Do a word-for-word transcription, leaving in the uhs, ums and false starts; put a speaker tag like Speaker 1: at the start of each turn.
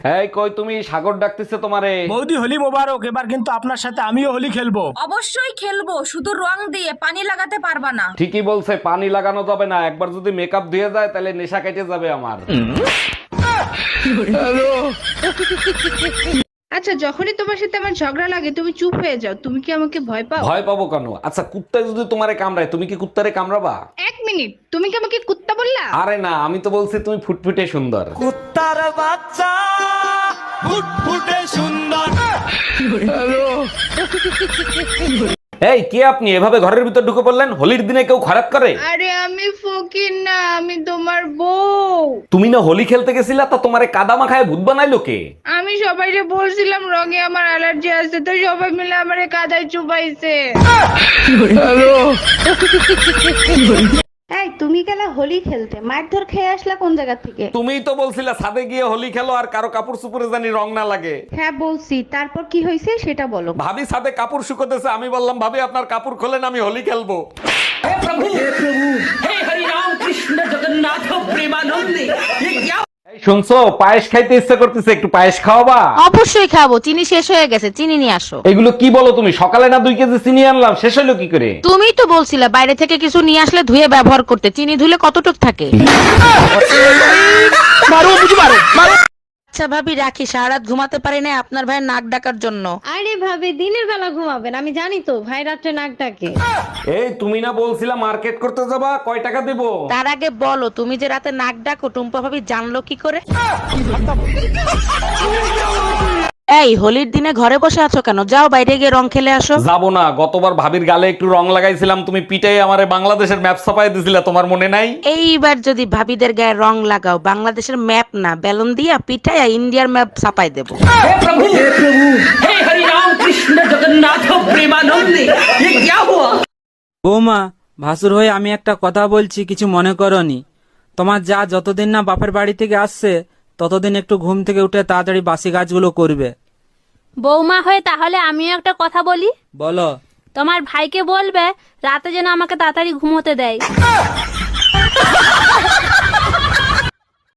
Speaker 1: এই কই তুমি, সাগর ডাকতেছে তোমারে।
Speaker 2: বৌদি হোলি মোবারক, এবার কিন্তু আপনার সাথে আমিও হোলি খেলবো।
Speaker 3: অবশ্যই খেলবো, শুধু রং দিয়ে পানি লাগাতে পারবা না।
Speaker 1: ঠিকই বলছে, পানি লাগানো যাবে না, একবার যদি মেকআপ ধুয়ে যায় তাহলে নেশা কেটে যাবে আমার।
Speaker 4: আচ্ছা, যখনই তোমার সাথে আমার ঝগড়া লাগে তুমি চুপ হয়ে যাও, তুমি কি আমাকে ভয় পাও?
Speaker 1: ভয় পাবো কেন? আচ্ছা কুত্তা যদি তোমারে কামড়ায় তুমি কি কুত্তারে কামড়াবা?
Speaker 4: এক মিনিট, তুমি কি আমাকে কুত্তা বললা?
Speaker 1: আরে না, আমি তো বলছি তুমি ফুটফুটে সুন্দর।
Speaker 2: কুত্তার বাচ্চা ফুটফুটে সুন্দর।
Speaker 1: এই কে আপনি, এভাবে ঘরের ভিতর ঢুকে পড়লেন? হোলির দিনে কেউ খারাপ করে?
Speaker 4: আরে আমি ফকির না, আমি তোমার বউ।
Speaker 1: তুমি না হোলি খেলতে গেছিলা, তা তোমারে কাদা মাখায় ভূত বানাইলো কে?
Speaker 4: আমি সবাইকে বলছিলাম রঙে আমার অ্যালার্জি আছে, তো সবাই মিলে আমারে কাদায় চুবাইছে।
Speaker 5: এই তুমি গেলা হোলি খেলতে, মারধর খেয়ে আসলা কোন জায়গা থেকে?
Speaker 1: তুমিই তো বলছিলা ছাদে গিয়ে হোলি খেলো আর কারো কাপড় চুপড়ে জানি রং না লাগে।
Speaker 5: হ্যাঁ বলছি, তারপর কি হয়েছে সেটা বলো।
Speaker 1: ভাবি ছাদে কাপড় শুকোতেছে, আমি বললাম ভাবি আপনার কাপড় খোলেন, আমি হোলি খেলবো। এই শুনছো, পায়েস খাইতে ইচ্ছা করতেছে, একটু পায়েস খাওয়াবা?
Speaker 6: অবশ্যই খাবো, চিনি শেষ হয়ে গেছে, চিনি নিয়ে আসো।
Speaker 1: এগুলো কি বলো তুমি? সকালে না দুই কেজি চিনি আনলাম, শেষ হলো কি করে?
Speaker 6: তুমিই তো বলছিলে বাইরে থেকে কিছু নিয়ে আসলে ধুয়ে ব্যবহার করতে, চিনি ধুলে কতটুক থাকে। আচ্ছা ভাবি রাখি, সারা রাত ঘুমাতে পারি না আপনার ভাইয়ের নাক ডাকার জন্য।
Speaker 5: আরে ভাবি, দিনের বেলা ঘুমাবেন, আমি জানি তো ভাই রাত্রে নাক ডাকে।
Speaker 1: এই তুমি না বলছিলা মার্কেট করতে যাবা, কয় টাকা দেবো?
Speaker 6: তার আগে বলো, তুমি যে রাতে নাক ডাকো টুম্পা ভাবি জানলো কি করে? এই হোলির দিনে ঘরে বসে আছো কেন? যাও বাইরে গিয়ে রং খেলে আসো।
Speaker 1: যাবো না, গতবার ভাবির গালে একটু রং লাগাইছিলাম, তুমি পিটাই আমারে বাংলাদেশের ম্যাপ ছাপাই দিছিলা, তোমার মনে নাই?
Speaker 6: এইবার যদি ভাবিদের গায়ে রং লাগাও, বাংলাদেশের ম্যাপ না বেলুন দিয়া পিঠাইয়া ইন্ডিয়ার ম্যাপ ছাপাই দেবো।
Speaker 7: বৌমা, ভাসুর হয়ে আমি একটা কথা বলছি, কিছু মনে করনি। তোমার যা যতদিন না বাপের বাড়ি থেকে আসছে ততদিন একটু ঘুম থেকে উঠে তাড়াতাড়ি বাসি কাজগুলো করবে।
Speaker 8: বৌমা হয়ে তাহলে আমিও একটা কথা বলি।
Speaker 7: বলো।
Speaker 8: তোমার ভাইকে বলবে রাতে যেন আমাকে তাড়াতাড়ি ঘুমোতে দেয়।